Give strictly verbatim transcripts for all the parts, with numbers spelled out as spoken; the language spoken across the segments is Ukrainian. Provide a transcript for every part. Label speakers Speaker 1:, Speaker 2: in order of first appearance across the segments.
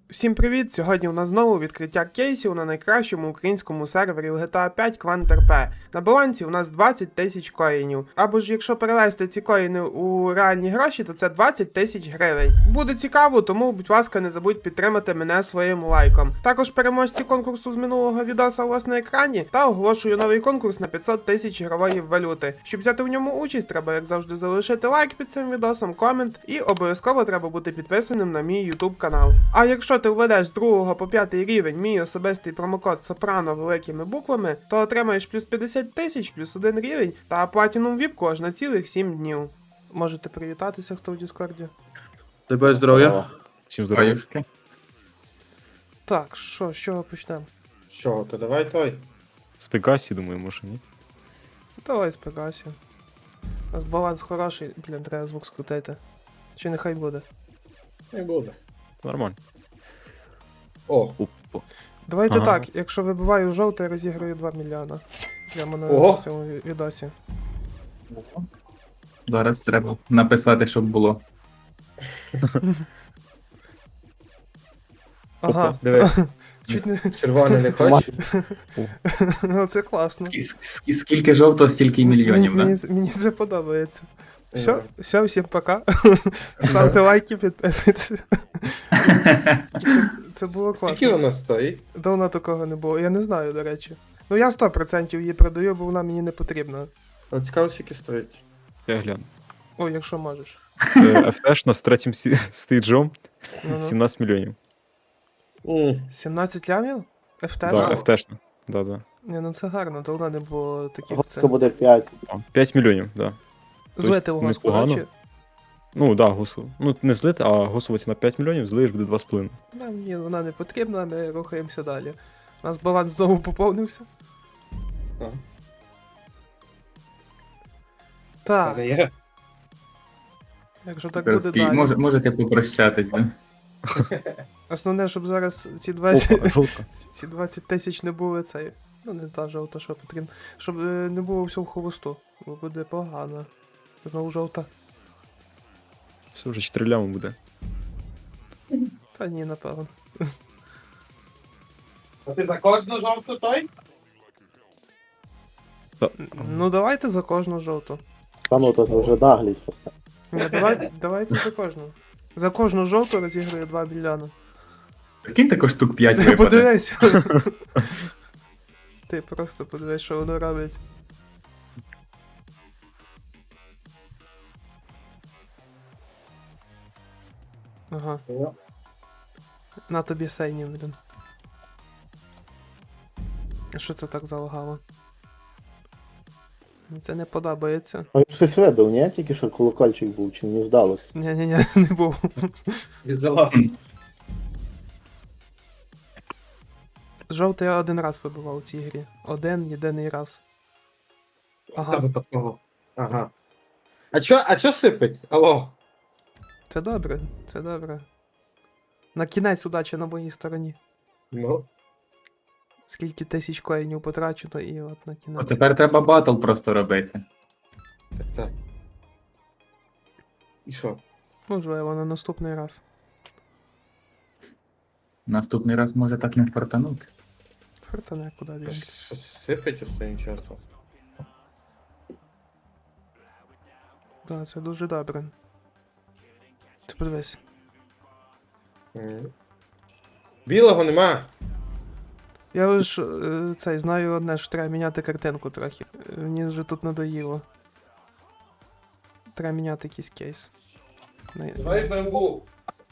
Speaker 1: Всім привіт! Сьогодні у нас знову відкриття кейсів на найкращому українському сервері в джі ті ей п'ять QuantRP. На балансі у нас двадцять тисяч коїнів. Або ж якщо перевести ці коїни у реальні гроші, то це двадцять тисяч гривень. Буде цікаво, тому, будь ласка, не забудь підтримати мене своїм лайком. Також переможці конкурсу з минулого відоса у вас на екрані, та оголошую новий конкурс на п'ятсот тисяч ігрової валюти. Щоб взяти в ньому участь, треба, як завжди, залишити лайк під цим відосом, комент, і обов'язково треба бути підписаним на мій YouTube канал. А якщо ти введеш з другого по п'ятий рівень мій особистий промокод Сопрано великими буквами, то отримаєш плюс п'ятдесят тисяч, плюс один рівень та платінум віпку аж на цілих сім днів. Можете привітатися, хто в Діскорді.
Speaker 2: Тебе здоров'я.
Speaker 3: Всім здоров'я.
Speaker 4: Аюшки.
Speaker 1: Так, що, з чого почнемо?
Speaker 2: Що, то давай той.
Speaker 3: З Пегасі, думаю, може, ні?
Speaker 1: Давай з Пегасі. У нас баланс хороший, блін, треба звук скрутити. Чи нехай буде.
Speaker 2: Не буде.
Speaker 3: Нормально.
Speaker 2: О,
Speaker 3: Опа.
Speaker 1: Давайте
Speaker 3: Ага.
Speaker 1: так, якщо вибиваю жовтий, я розіграю два мільйона. Прямо на
Speaker 2: Ого.
Speaker 1: цьому ві- відосі.
Speaker 4: Зараз треба написати, щоб було.
Speaker 1: Ага,
Speaker 2: диви,
Speaker 1: чуть не...
Speaker 2: червоний не хочеш?
Speaker 1: Ну, це класно.
Speaker 4: Ск- ск- Скільки жовтого, стільки й мільйонів,
Speaker 1: мені,
Speaker 4: да?
Speaker 1: мені, мені це подобається.
Speaker 2: Ні.
Speaker 1: Все, все, всім пока. Ставте лайки, підписуйтесь. Це, це було
Speaker 2: Скільки
Speaker 1: класно.
Speaker 2: вона стоїть?
Speaker 1: Давно такого не було. Я не знаю, до речі. Ну я сто відсотків її продаю, бо вона мені не потрібна.
Speaker 2: От цікаво, скільки стоїть.
Speaker 3: Я гляну.
Speaker 1: Ой, якщо можеш.
Speaker 3: Е, еф те ешна з третім сі- стейджом
Speaker 1: Ну-ну.
Speaker 3: сімнадцять мільйонів.
Speaker 2: М,
Speaker 1: сімнадцять лямів? еф те?
Speaker 3: Да, еф те ешна. Да, да.
Speaker 1: Ні, ну це гарно, давно не було таких
Speaker 5: Госка
Speaker 1: цін.
Speaker 5: буде п'ять.
Speaker 3: А, п'ять мільйонів, да.
Speaker 1: Злити в госку,
Speaker 3: непогано.
Speaker 1: речі.
Speaker 3: Ну, да, гусу. Ну, не злити, а гусова ціна п'ять мільйонів, злиєш буде два з половиною.
Speaker 1: Нам ні, вона не потрібна, ми рухаємося далі. У нас баланс знову поповнився.
Speaker 2: а,
Speaker 1: Так,
Speaker 2: не є.
Speaker 1: якщо так буде
Speaker 4: Такий,
Speaker 1: далі.
Speaker 4: може, можете попрощатись, да?
Speaker 1: Основне, щоб зараз ці двадцять,
Speaker 3: Опа, жовта.
Speaker 1: ці- ці двадцять тисяч не були цей. Ну не та жовта, що потрібно. Щоб е, не було всього в холосту. Бо буде погано. Знову жовта.
Speaker 3: Все, вже чотири лями буде.
Speaker 1: Та ні, напевно.
Speaker 2: А ти за кожну жовту той?
Speaker 1: Ну давайте за кожну жовту.
Speaker 5: Та ну, то це вже наглість просто.
Speaker 1: Ні, давай, давайте за кожну. За кожну жовту розіграю два мільйони.
Speaker 4: Прикинь, також штук п'ять
Speaker 1: Ти
Speaker 4: випаде.
Speaker 1: подивись. Ти просто подивись, що воно робить. Ага, на тобі сейні, блін. Що це так залагало? Мені це не подобається.
Speaker 5: А він щось вибив, ні? Тільки що колокольчик був, чи мені здалось.
Speaker 1: Ні-ні-ні, не був.
Speaker 2: Візалас.
Speaker 1: Жовтий я один раз вибивав у цій грі. Один єдиний раз. Ага.
Speaker 2: Та випадково. Ага. А чо, а чо сипить? Алло.
Speaker 1: Це добре, це добре. На кінець удача на моїй стороні.
Speaker 2: Ну.
Speaker 1: Скільки тисяч коїнів потрачено і от на
Speaker 4: О,
Speaker 1: кінець.
Speaker 4: тепер треба батл просто робити.
Speaker 2: Так, так. І що?
Speaker 1: Можливо, на наступний раз.
Speaker 4: Наступний раз може так не фартанути.
Speaker 1: Фортане куди
Speaker 2: Та
Speaker 1: дінки.
Speaker 2: Щось сипить останнім часом.
Speaker 1: Так, це дуже добре. Ти подивись.
Speaker 2: М. Білого нема.
Speaker 1: Я лиш е, цей знаю одне, що треба міняти картинку трохи. Е, Мені вже тут надоїло. Треба міняти якийсь кейс. Не-
Speaker 2: Давай бамбу.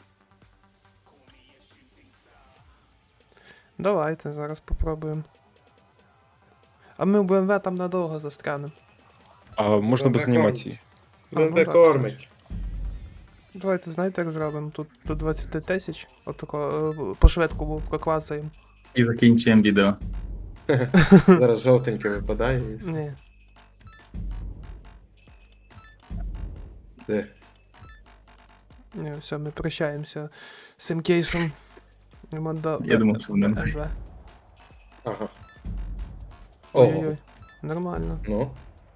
Speaker 1: Давайте, зараз попробуємо. А ми в Б М В там надовго застрянемо.
Speaker 3: А можна без
Speaker 2: Добре,
Speaker 3: анімації.
Speaker 1: А, ну
Speaker 2: Ну, де
Speaker 1: так,
Speaker 2: кормить.
Speaker 1: Давайте, знаєте, як зробимо? Тут до двадцять тисяч. Отако е, по швидкому проклацаємо.
Speaker 4: І закінчуємо відео.
Speaker 2: Зараз жовтеньке випадає. і все.
Speaker 1: Ні.
Speaker 2: Де?
Speaker 1: Ні, все, ми прощаємося з цим кейсом. Йдемо до
Speaker 4: Я думав, що вони-
Speaker 1: М два.
Speaker 2: Ага. Ого.
Speaker 1: Ой-ой-ой. Нормально.
Speaker 2: Ну.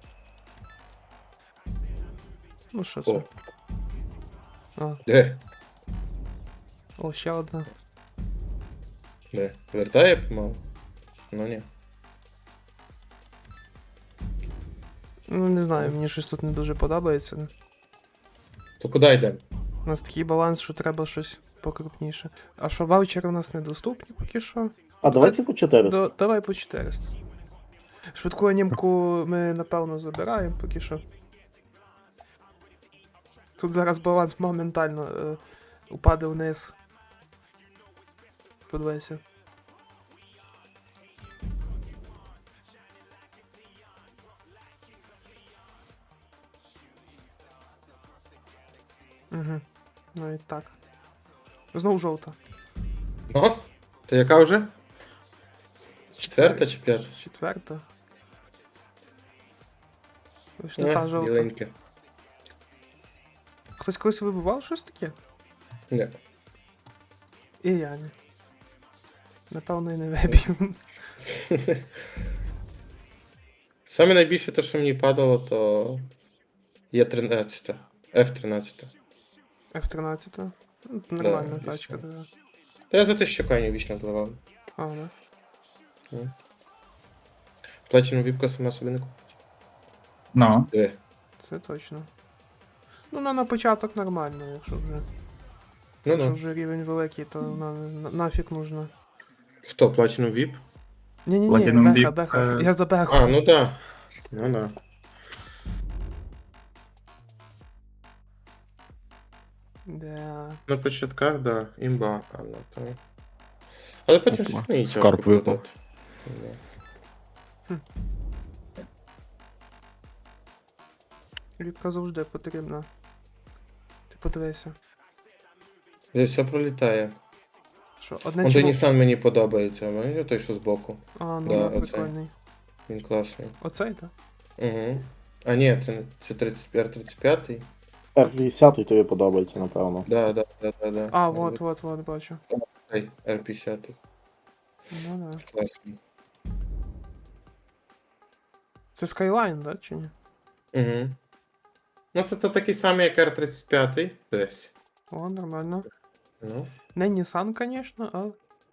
Speaker 1: Ну що
Speaker 2: О.
Speaker 1: це? А,
Speaker 2: Де?
Speaker 1: о, ще одна.
Speaker 2: Де? Вертає помалу? Ну ні.
Speaker 1: Ну, не знаю, мені щось тут не дуже подобається.
Speaker 2: То куди йдемо?
Speaker 1: У нас такий баланс, що треба щось покрупніше. А що ваучери у нас недоступні поки що?
Speaker 5: А давайте по чотириста.
Speaker 1: До, давай по чотириста. Швидку анімку ми, напевно, забираємо поки що. Тут зараз баланс моментально е, упаде вниз. Подивайся. Угу. Ну і так. Знову жовта.
Speaker 2: О, то яка вже? Четверта чи п'ята?
Speaker 1: Четверта. Ось не та жовта.
Speaker 2: біленьке.
Speaker 1: Хтось колись вибивав щось таке?
Speaker 2: Ні.
Speaker 1: І я не. Напевно, і не вибив.
Speaker 2: Саме найбільше те, що мені падало, то Є тринадцять. Еф тринадцять.
Speaker 1: еф тринадцять. Ну, нормальна
Speaker 2: Да,
Speaker 1: тачка,
Speaker 2: вічно.
Speaker 1: да.
Speaker 2: Та я за те, що коні вічно зливав.
Speaker 1: А, да.
Speaker 2: Платіну віпка сама собі не купить.
Speaker 4: Ну,
Speaker 2: Де?
Speaker 1: Це точно. Ну, на, на початок нормально, якщо вже.
Speaker 2: Ну
Speaker 1: Якщо
Speaker 2: ну.
Speaker 1: вже рівень великий, то на, на, нафіг нужно.
Speaker 2: Хто, Платіну віп?
Speaker 1: Ні-ні-ні,
Speaker 4: Platinum
Speaker 1: беха,
Speaker 4: Deep,
Speaker 1: беха.
Speaker 4: е,
Speaker 1: Я за беху.
Speaker 2: А, ну да. Ну да.
Speaker 1: Да.
Speaker 2: На початках, да, імба, але то. Але потім
Speaker 3: Опа,
Speaker 2: все одно їй
Speaker 3: скарб
Speaker 2: тяжко
Speaker 3: випав.
Speaker 2: продати. Да.
Speaker 1: Рідка завжди потрібна. Ти подивися.
Speaker 2: Десь все пролітає.
Speaker 1: Що, одне
Speaker 2: Он той
Speaker 1: чому...
Speaker 2: Nissan мені подобається, а мені той, що збоку.
Speaker 1: А, ну
Speaker 2: Да,
Speaker 1: да,
Speaker 2: оцей.
Speaker 1: прикольний.
Speaker 2: Він класний.
Speaker 1: Оцей, так?
Speaker 2: Угу. А ні, це, це тридцять п'ять тридцять п'ять.
Speaker 5: Р п'ятдесят тобі подобається, напевно.
Speaker 2: Да, да, да, да, да.
Speaker 1: А, вот, вот, вот, бачу.
Speaker 2: Ай, Р п'ятдесят.
Speaker 1: Ну да.
Speaker 2: Класний.
Speaker 1: Це Skyline, да, чи ні?
Speaker 2: Угу. Ну, це, це такий самий, як Р тридцять п'ять десь.
Speaker 1: О, нормально.
Speaker 2: Ну.
Speaker 1: Не Nissan, конечно, а...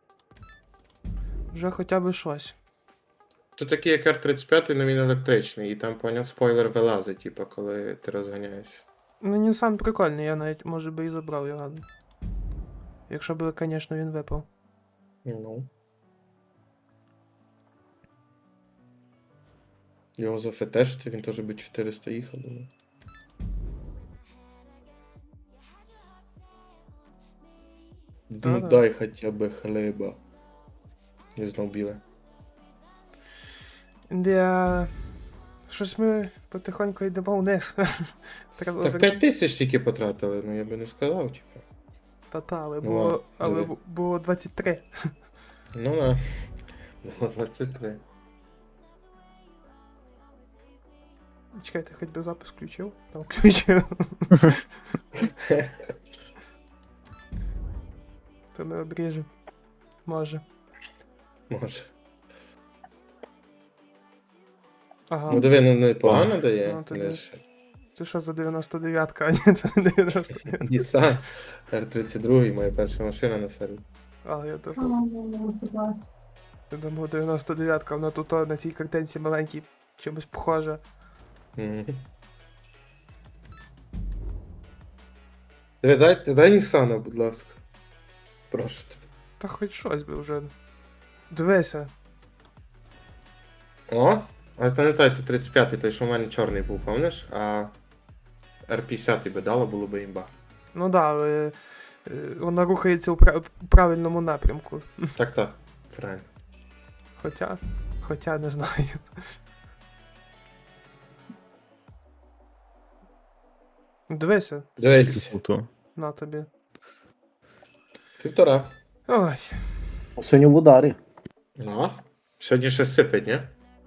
Speaker 1: Вже хоча б щось.
Speaker 2: То такий, як Р тридцять п'ять, але він електричний, і там поняв спойлер вилазить, типу, коли ти розганяєш.
Speaker 1: Ну, Nissan прикольний, я навіть, може би, і забрав його. Якщо б, звісно, він випав.
Speaker 2: Ну. Його зафетешити, він теж би чотириста їхав, думаю. Ну
Speaker 1: Да-да.
Speaker 2: дай хоча б хліба. Не знов біле.
Speaker 1: Де... Щось ми потихоньку йдемо вниз. Треба
Speaker 2: Так
Speaker 1: обер-
Speaker 2: п'ять тисяч тільки потратили, ну я би не сказав, типу.
Speaker 1: Та-та, але
Speaker 2: Ну,
Speaker 1: було,
Speaker 2: ладно,
Speaker 1: але
Speaker 2: диви.
Speaker 1: бу- було двадцять три.
Speaker 2: Ну да. Було двадцять три.
Speaker 1: Чекайте, хоч би запис включив? Там включив. То ми обріжемо. Може.
Speaker 2: Може.
Speaker 1: Ага.
Speaker 2: Ну диви, ну непогано
Speaker 3: А.
Speaker 2: дає.
Speaker 1: Ну, тоді-
Speaker 2: Не ж.
Speaker 1: Це що за дев'яносто дев'ятка, а ні, це не дев'яносто дев'ятка.
Speaker 2: Nissan Р тридцять два, моя перша машина на серві.
Speaker 1: А, я думав. Я думав, дев'яносто дев'ятка, вона тут о, на цій картинці маленькій чимось похожа.
Speaker 2: Мгм. Диви, дай, дай Nissan, будь ласка. Прошу тебе.
Speaker 1: Та хоч щось би вже. Дивися.
Speaker 2: О, а це не той, це тридцять п'ятий, той, що в мене чорний був, пам'ятаєш? А Р п'ятдесят би дало, було би імба.
Speaker 1: Ну да, але е, вона рухається у, пра- у правильному напрямку.
Speaker 2: Так, так, правильно.
Speaker 1: Хоча. Хоча не знаю. Дивися,
Speaker 2: Дивись,
Speaker 3: Круто.
Speaker 1: на тобі.
Speaker 2: півтора.
Speaker 1: Ой,
Speaker 5: Сьогодні в ударі.
Speaker 2: Ну, сьогодні ще сипить, ні?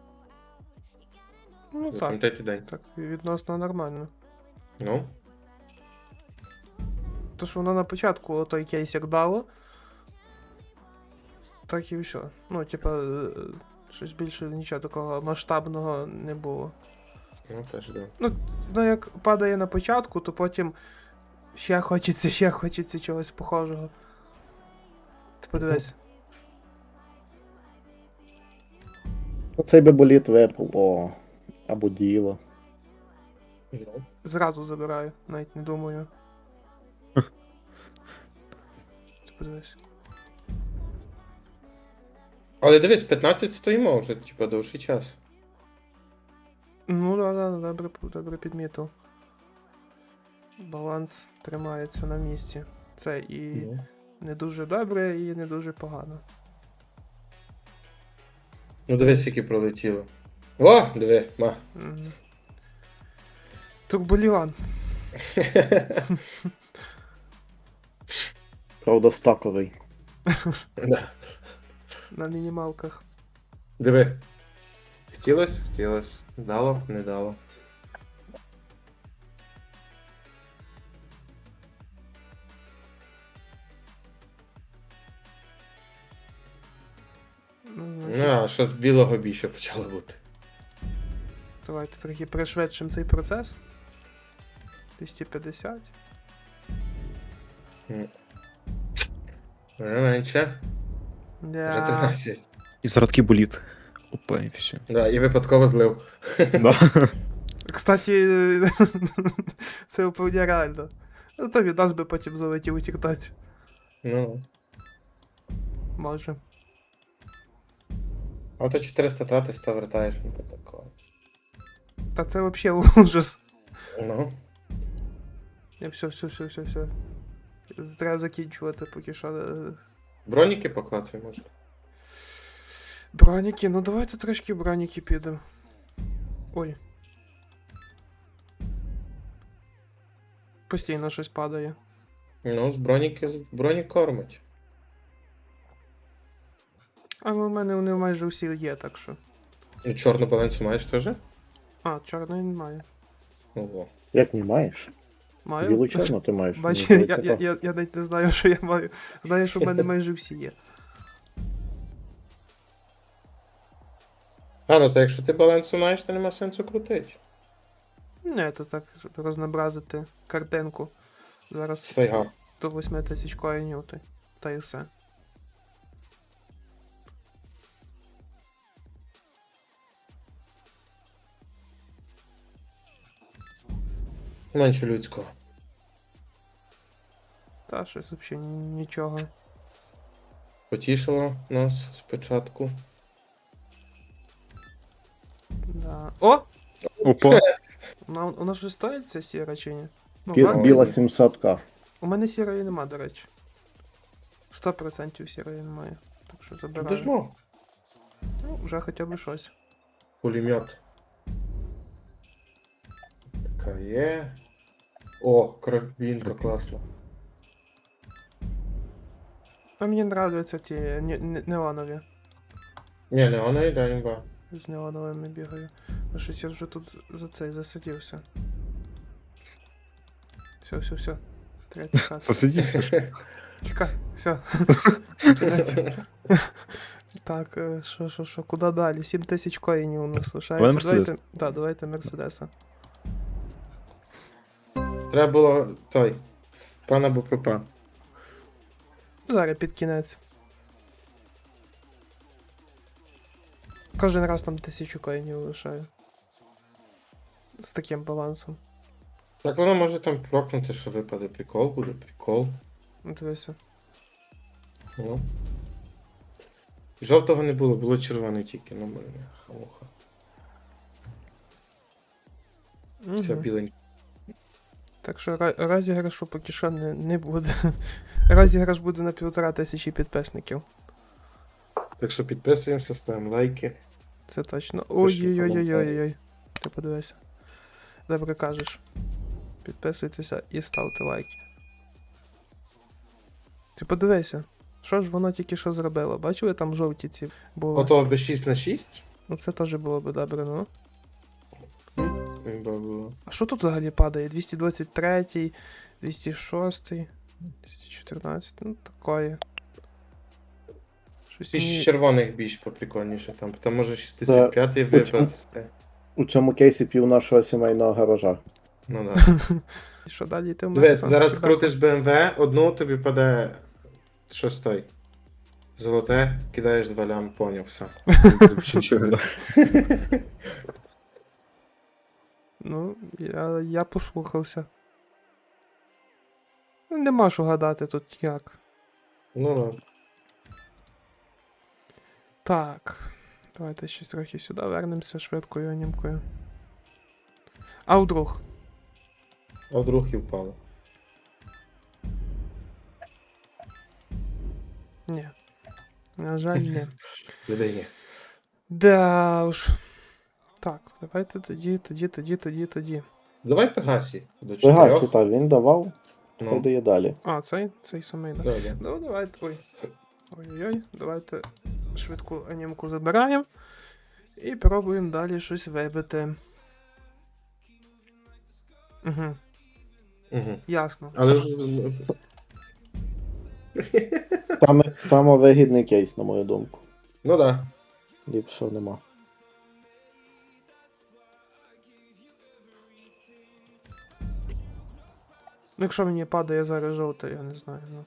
Speaker 1: ну так.
Speaker 2: Запам'ятайте день.
Speaker 1: Так, відносно нормально.
Speaker 2: Ну,
Speaker 1: То, що воно на початку той кейс як дало. Так і все. Ну, типа, е, щось більше нічого такого масштабного не було.
Speaker 2: ну теж да.
Speaker 1: Ну, як падає на початку, то потім ще хочеться, ще хочеться чогось похожого. Ти подивись.
Speaker 5: Оцей би боліт випав, о. Або діло.
Speaker 2: Ну.
Speaker 1: Зразу забираю, навіть не думаю. Ти подивись.
Speaker 2: Але дивись, п'ятнадцять стоїмо вже, типа, довший час.
Speaker 1: Ну да, да, добре, добре підмітив. Баланс тримається на місці. Це і
Speaker 2: Ну.
Speaker 1: не дуже добре, і не дуже погано.
Speaker 2: Ну дивись, які пролетіло. О, диви, ма.
Speaker 1: Мгм. Турболіон.
Speaker 5: Правда, стаковий.
Speaker 2: Да.
Speaker 1: На мінімалках.
Speaker 2: Диви. Хотілось, хотілось. Дало, не дало.
Speaker 1: Ну,
Speaker 2: Ну,
Speaker 1: значить,
Speaker 2: а що з білого більше почало бути.
Speaker 1: давайте трохи пришвидшимо цей процес. двісті п'ятдесят.
Speaker 2: Не менше. Вже
Speaker 1: Да.
Speaker 2: тринадцять.
Speaker 3: І зарадки боліт. Опа, і все.
Speaker 2: Да, і випадково злив.
Speaker 3: Да.
Speaker 1: Кстати, це вполне реально. Ну, то від нас би потім залетів у тіктоці.
Speaker 2: Ну.
Speaker 1: Може.
Speaker 2: А то чотириста тратиш, то вертаєш, ну то такого.
Speaker 1: Та це взагалі ужас.
Speaker 2: Ну.
Speaker 1: Я все, все, все, все, все. Треба закінчувати поки що. е,
Speaker 2: Броніки поклацай, може.
Speaker 1: Броніки, ну давайте трошки броніки підемо. Ой. Постійно щось падає.
Speaker 2: Ну, з броніки, з броні кормить.
Speaker 1: А ну, в мене вони майже всі є, так що.
Speaker 2: Ну, чорну балансу маєш теж?
Speaker 1: А, чорної немає.
Speaker 2: Ого.
Speaker 5: Як не маєш?
Speaker 1: Маю?
Speaker 5: Білу чорну ти маєш.
Speaker 1: Бач,
Speaker 5: Мені
Speaker 1: я,
Speaker 5: здається,
Speaker 1: я,
Speaker 5: так.
Speaker 1: я, я навіть не знаю, що я маю. Знаю, що в мене майже всі є.
Speaker 2: А, ну то якщо ти балансу маєш, то нема сенсу крутити.
Speaker 1: Не, це так, щоб рознобразити картинку. Зараз
Speaker 2: Сайга.
Speaker 1: до восьми тисяч коїнів, та, та й все.
Speaker 2: Менше людського.
Speaker 1: Та щось взагалі нічого.
Speaker 2: Потішило нас спочатку.
Speaker 1: Да. О!
Speaker 3: Опа.
Speaker 1: Вона, вона ж стоїть ця сіра чи ні? Ну,
Speaker 5: Бі-
Speaker 1: гарно.
Speaker 5: Біла сімсот ка.
Speaker 1: У мене сірої нема, до речі. сто відсотків сірої немає. Так що забираю.
Speaker 2: Дожмо.
Speaker 1: Ну, вже хоча б щось.
Speaker 2: Пулемет. Така є. О, крабінка класно.
Speaker 1: А мені нравляться ті не- не- неонові.
Speaker 2: Ні, не вона йде імба.
Speaker 1: З неоновими бігаю. Ну щось я вже тут за цей засидівся. Все, все, все. Третій хас.
Speaker 3: Засидівся.
Speaker 1: Чекай, все. Так, е, що, що, що, куди далі? сім тисяч коїнів у нас лишається.
Speaker 3: Давай Мерседес.
Speaker 1: Давайте, да, давайте Мерседеса.
Speaker 2: Треба було той. Пан або пропан.
Speaker 1: Зараз під кінець. Кожен раз там тисячу коїнів лишаю. З таким балансом.
Speaker 2: Так воно може там прокнути, що випаде. Прикол буде, прикол.
Speaker 1: Ну, дивися.
Speaker 2: Ну. Жовтого не було, було червоне тільки, ну мене. Хамуха. Все
Speaker 1: Мгм.
Speaker 2: біленьке.
Speaker 1: Так що ра- розіграшу поки що не, не буде. Розіграш буде на півтора тисячі підписників.
Speaker 2: Так що підписуємося, ставимо лайки.
Speaker 1: Це точно.
Speaker 2: Пишіть
Speaker 1: Ой-ой-ой-ой-ой. Ти подивися. Добре кажеш. Підписуйтеся і ставте лайки. Ти подивися. Що ж воно тільки що зробило? Бачили, там жовті ці були?
Speaker 2: Ото би шість на шість.
Speaker 1: Ну це теж було б добре, ну.
Speaker 2: Імба було.
Speaker 1: А що тут взагалі падає? двісті двадцять три, двісті шість, двісті чотирнадцять, ну такое. Щось
Speaker 2: Більш
Speaker 1: мені...
Speaker 2: червоних більш поприкольніше там. Там може шістдесят п'ятий
Speaker 5: Та, оцю-
Speaker 2: випад.
Speaker 5: У цьому кейсі пів нашого сімейного гаража.
Speaker 2: Ну да.
Speaker 1: І що далі йти в
Speaker 2: Дивись,
Speaker 1: Мерсон?
Speaker 2: зараз
Speaker 1: Чи
Speaker 2: крутиш БМВ, одну тобі паде щось той. Золоте, кидаєш два лям, поняв, все.
Speaker 1: Ну, я, я послухався. Нема що гадати тут як.
Speaker 2: Ну, ну.
Speaker 1: Так. Давайте щось трохи сюди вернемося швидкою анімкою. А вдруг?
Speaker 2: А вдруг і впало.
Speaker 1: Ні. На жаль, ні.
Speaker 2: Людей ні.
Speaker 1: Да уж. Так, давайте тоді, тоді, тоді, тоді, тоді.
Speaker 2: Давай Пегасі. До
Speaker 5: Пегасі,
Speaker 2: чотирьох.
Speaker 5: так, він давав, хай
Speaker 2: Ну,
Speaker 5: дає далі.
Speaker 1: А, цей, цей самий, да.
Speaker 2: да, да.
Speaker 1: Ну, давайте. Ой. Ой-ой-ой, давайте швидку анімку забираємо. І пробуємо далі щось вибити. Угу,
Speaker 2: Угу.
Speaker 1: ясно.
Speaker 2: Але ж... ну,
Speaker 5: Там, там вигідний кейс, на мою думку.
Speaker 2: Ну да.
Speaker 5: Ліпшого нема.
Speaker 1: Ну, якщо мені падає зараз жовте, я не знаю. Ну.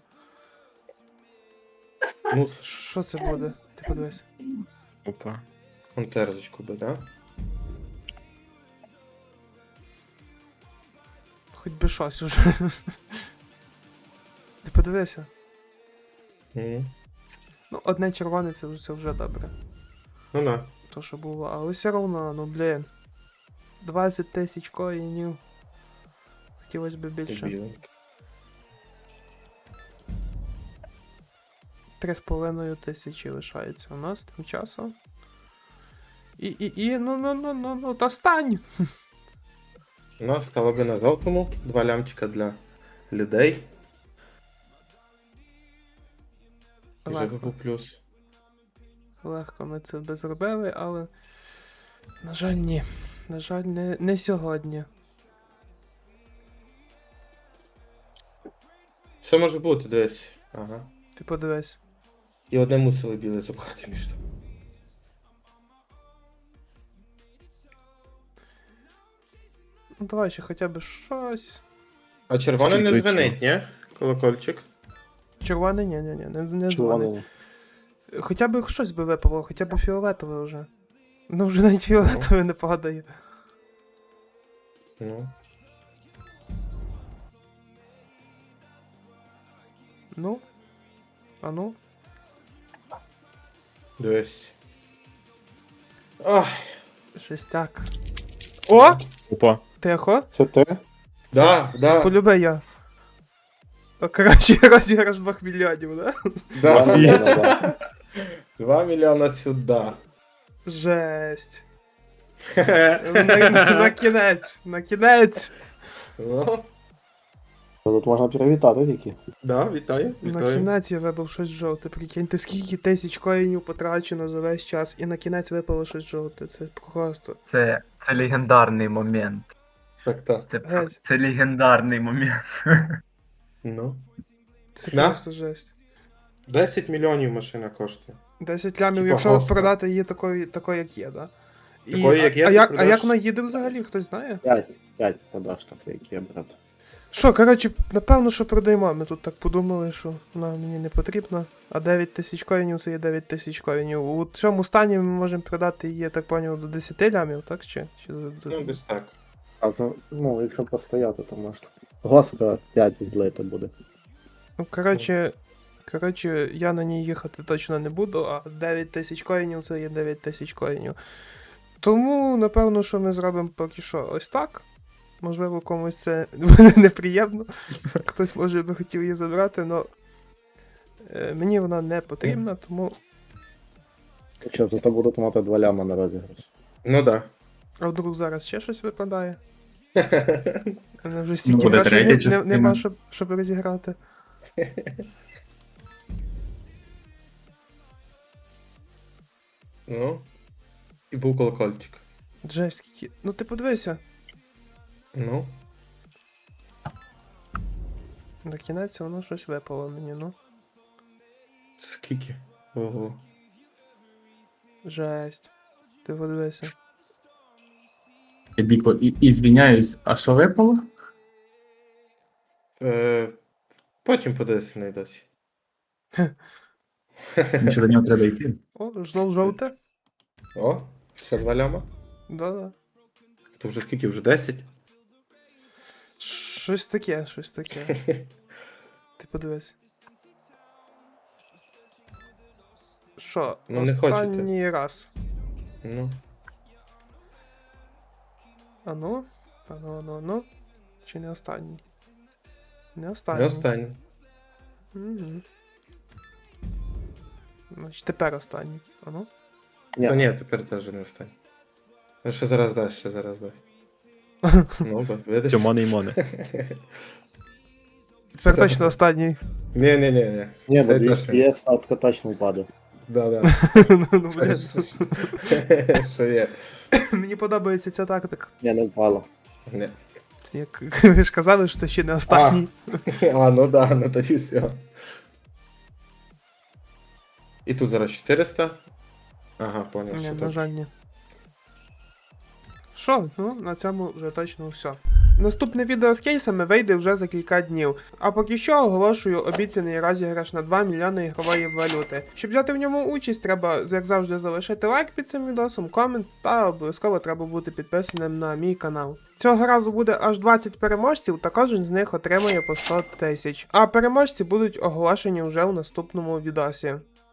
Speaker 2: Ну,
Speaker 1: Що це буде? Ти подивись.
Speaker 3: Опа.
Speaker 2: он терзочку би, да?
Speaker 1: Хоч би щось уже. Ти подивися.
Speaker 2: Угу.
Speaker 1: Ну, одне червоне це, вже- це вже добре.
Speaker 2: Ну да.
Speaker 1: То, що було, але все одно, ну блін. двадцять тисяч коїнів. Хотілося б
Speaker 2: Ти
Speaker 1: більше.
Speaker 2: біленький.
Speaker 1: Три з половиною тисячі лишається у нас тим часом. І, і, і, ну, ну, ну, ну, ну, та стань!
Speaker 2: У нас стало би на жовтому. Два лямчика для людей. І вже
Speaker 1: Легко,
Speaker 2: був плюс.
Speaker 1: легко ми це би зробили, але. На жаль, ні. На жаль, не, не сьогодні.
Speaker 2: Що може бути, десь? Ага.
Speaker 1: Ти подивись.
Speaker 2: І одне мусили біле запхати між тим.
Speaker 1: Ну давай ще хоча б щось.
Speaker 2: А червоне не
Speaker 3: Скільки
Speaker 2: дзвенить, ні? Колокольчик.
Speaker 1: Червоне, ні, ні, ні, не, не дзвонить.
Speaker 5: Червоний.
Speaker 1: Хоча б щось би випало, хоча б фіолетове вже. Ну вже навіть фіолетове не падає.
Speaker 2: Ну.
Speaker 1: Ну. А ну.
Speaker 2: Дивись. Ах.
Speaker 1: Шестяк. О!
Speaker 3: Опа.
Speaker 1: Тихо.
Speaker 5: Це ти?
Speaker 2: Да, да,
Speaker 1: Полюби я. А, коротше, розіграш двох мільйонів, да?
Speaker 5: Два
Speaker 2: да.
Speaker 5: мільйона, да.
Speaker 2: Два мільйона сюди.
Speaker 1: Жесть. На, на, на кінець, на кінець.
Speaker 2: Ну,
Speaker 5: Тут можна привітати тільки.
Speaker 2: да, вітаю,
Speaker 1: На
Speaker 2: вітаю.
Speaker 1: кінець я вибив щось жовте. Прикиньте, скільки тисяч коїнів потрачено за весь час, і на кінець випало щось жовте. Це просто.
Speaker 6: Це, це легендарний момент.
Speaker 2: Так, так.
Speaker 6: Це,
Speaker 1: Геть.
Speaker 6: це легендарний момент.
Speaker 2: Ну.
Speaker 1: Це
Speaker 2: Да?
Speaker 1: просто жесть.
Speaker 2: десять мільйонів машина коштує.
Speaker 1: десять лямів,
Speaker 2: Типа
Speaker 1: якщо
Speaker 2: госка.
Speaker 1: продати її такою, такою, як є, да? І,
Speaker 2: Такою, як
Speaker 1: а,
Speaker 2: є,
Speaker 1: а,
Speaker 2: ти
Speaker 1: як, а
Speaker 2: продаш?
Speaker 1: як вона їде взагалі, хтось знає?
Speaker 5: П'ять. П'ять продаж таке, які є, брат.
Speaker 1: Що, коротше, напевно, що продаємо. Ми тут так подумали, що вона мені не потрібна. А дев'ять тисяч коїнів це є дев'ять тисяч коїнів. У цьому стані ми можемо продати її, я так поняв, до десять лямів, так? Чи? Чи до- до-
Speaker 2: Ну, десь так.
Speaker 5: А за, ну, якщо постояти, то можна. Госка п'ять злити буде.
Speaker 1: Ну, коротше, коротше, я на ній їхати точно не буду, а дев'ять тисяч коїнів це є дев'ять тисяч коїнів. Тому, напевно, що ми зробимо поки що ось так. Можливо, комусь це буде неприємно. Хтось може би хотів її забрати, але мені вона не потрібна, тому.
Speaker 5: Що, зато будуть мати два ляма на розіграш.
Speaker 2: Ну да.
Speaker 1: А вдруг зараз ще щось випадає? У мене вже стільки
Speaker 4: Ну, буде
Speaker 1: грошей
Speaker 4: третя
Speaker 1: не- не-
Speaker 4: частина.
Speaker 1: нема, щоб, щоб розіграти.
Speaker 2: Ну. І був колокольчик.
Speaker 1: Жесть, скільки. Ну ти подивися.
Speaker 2: Ну.
Speaker 1: На кінець воно щось випало мені, ну.
Speaker 2: Скільки? Ого.
Speaker 1: Жесть. Ти подивися.
Speaker 4: Я Біко, і, і звіняюсь, а що випало?
Speaker 2: Е, потім подивися на досі.
Speaker 4: Ще до нього треба йти.
Speaker 1: О, знов жовте.
Speaker 2: О, ще два ляма.
Speaker 1: Да-да.
Speaker 2: То вже скільки? Вже десять?
Speaker 1: Щось таке, щось таке. Ти подивись. Що,
Speaker 2: Ну, не хочете.
Speaker 1: останній раз.
Speaker 2: Ну,
Speaker 1: Ану, ану, ану, ану. Чи не останній? Не останній.
Speaker 2: не останній.
Speaker 1: Угу. Значить, тепер останній. Ану.
Speaker 5: Ні.
Speaker 2: Та ні, тепер теж не останній. Ну, ще зараз дасть, ще зараз дасть. Ну, бо, видиш?
Speaker 3: Тьомани і мони.
Speaker 1: Тепер точно останній.
Speaker 2: Ні, ні, ні, ні.
Speaker 5: Ні, бо
Speaker 2: Це
Speaker 5: двісті
Speaker 2: точно.
Speaker 5: п'ять сотка точно впаде.
Speaker 2: Да, да.
Speaker 1: Ну, ну, блін.
Speaker 2: Що є?
Speaker 1: Мені подобається ця тактика.
Speaker 5: Ні, не впало.
Speaker 2: Ні.
Speaker 1: Як ви ж казали, що це ще не останній.
Speaker 2: А, ну да, ну тоді все. І тут зараз чотириста. Ага, поняв,
Speaker 1: Ні,
Speaker 2: що
Speaker 1: на
Speaker 2: так.
Speaker 1: жаль, ні. Що, ну, на цьому вже точно все. Наступне відео з кейсами вийде вже за кілька днів. А поки що оголошую обіцяний розіграш на два мільйони ігрової валюти. Щоб взяти в ньому участь, треба, як завжди, залишити лайк під цим відосом, комент та обов'язково треба бути підписаним на мій канал. Цього разу буде аж двадцять переможців, та кожен з них отримає по сто тисяч. А переможці будуть оголошені вже у наступному відосі.